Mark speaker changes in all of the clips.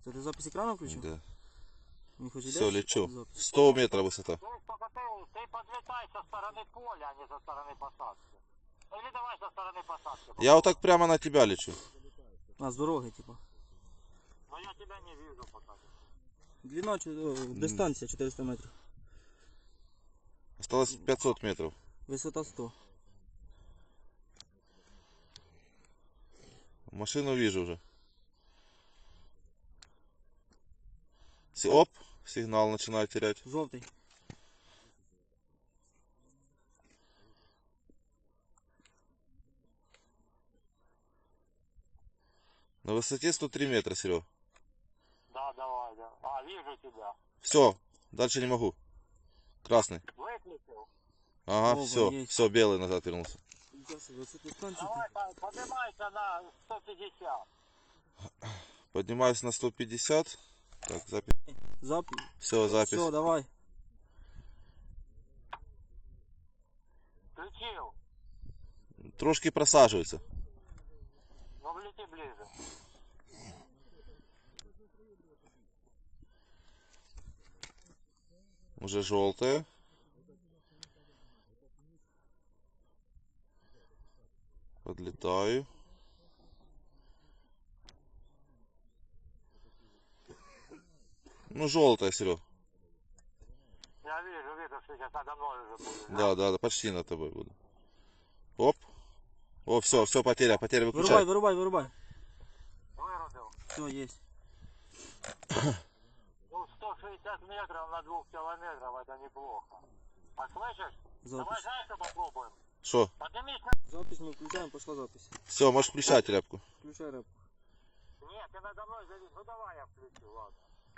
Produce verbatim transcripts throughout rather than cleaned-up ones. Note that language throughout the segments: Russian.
Speaker 1: Це ти запись екрану включив?
Speaker 2: Да.
Speaker 1: Не хочеш
Speaker 2: Все,
Speaker 1: йдеш?
Speaker 2: лечу.
Speaker 1: Запись.
Speaker 2: сто метров высота.
Speaker 3: То есть только ты, ты подлетай со стороны поля, а не со стороны посадки. Или давай со стороны посадки.
Speaker 2: Я вот так прямо на тебя лечу.
Speaker 1: А, з дороги, типа.
Speaker 3: Но я тебя не вижу пока.
Speaker 1: Длина, чи- о, дистанція чотириста метрів.
Speaker 2: Осталось пятьсот метров.
Speaker 1: Висота сто.
Speaker 2: Машину вижу уже. Си- Оп, сигнал начинает терять.
Speaker 1: Жовтий.
Speaker 2: На высоте сто три метра, Серег.
Speaker 3: Да, давай, да. А, вижу тебя.
Speaker 2: Все, дальше не могу. Красный.
Speaker 3: Выключил.
Speaker 2: Ага,
Speaker 1: Оба,
Speaker 2: все,
Speaker 1: есть.
Speaker 2: все, белый назад вернулся.
Speaker 1: Висота станції.
Speaker 3: Давай, по- поднимайся на сто пятьдесят.
Speaker 2: Поднимаюсь на сто пятьдесят. Так, запись.
Speaker 1: Запись.
Speaker 2: Все, запись.
Speaker 1: Все, давай.
Speaker 3: Включил.
Speaker 2: Трошки просаживается.
Speaker 3: Ну, влети ближе.
Speaker 2: Уже желтая. Подлетаю. Ну, желтая, Серег.
Speaker 3: Я вижу, вижу, что сейчас надо мной уже будет.
Speaker 2: Да, да, да, почти над тобой буду. Оп. О, все, все, потеря, потеря,
Speaker 1: Вирубай,
Speaker 2: выключай.
Speaker 1: вирубай, вирубай.
Speaker 3: Вырубил.
Speaker 1: Все, есть.
Speaker 3: Ну, сто шестьдесят метров на двух километров, это неплохо. А слышишь? Давай,
Speaker 1: Запись.
Speaker 3: знаешь, что попробуем?
Speaker 2: Что?
Speaker 3: Поднимись на...
Speaker 1: Запись мы включаем, пошла запись.
Speaker 2: Все, можешь включать рябку.
Speaker 1: Включай рэп.
Speaker 3: Нет, ты надо мной завис. Ну, давай я включу, ладно.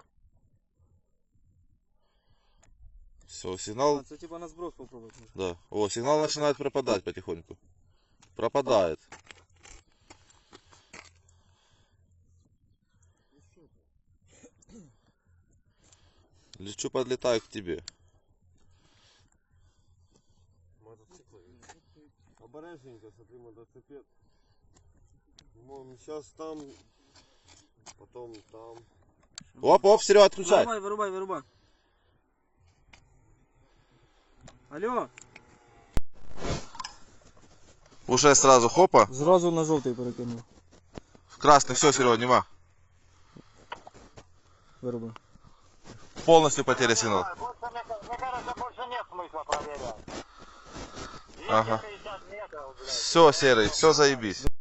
Speaker 2: Все, сигнал.
Speaker 1: А, це типа на сброс попробовать.
Speaker 2: Да. О, сигнал начинает пропадать потихоньку. Пропадает. Лечу, подлетаю к тебе.
Speaker 4: Мотоциклы. Обережненько, смотри, мотоцикл. Вон сейчас там, потом там.
Speaker 2: Оп, оп, Серега, отключай.
Speaker 1: Вырубай, вырубай, вырубай. Алло.
Speaker 2: Уже сразу хопа.
Speaker 1: Зразу на жовтий перекинув.
Speaker 2: В красный, все, Серега, нема.
Speaker 1: Вирубай.
Speaker 2: Полностью потеря сигнала.
Speaker 3: Больше, мне, мне кажется, больше нет смысла проверять.
Speaker 2: Ага.
Speaker 3: двести шестьдесят метров, блядь.
Speaker 2: Все, Серый, все заебись.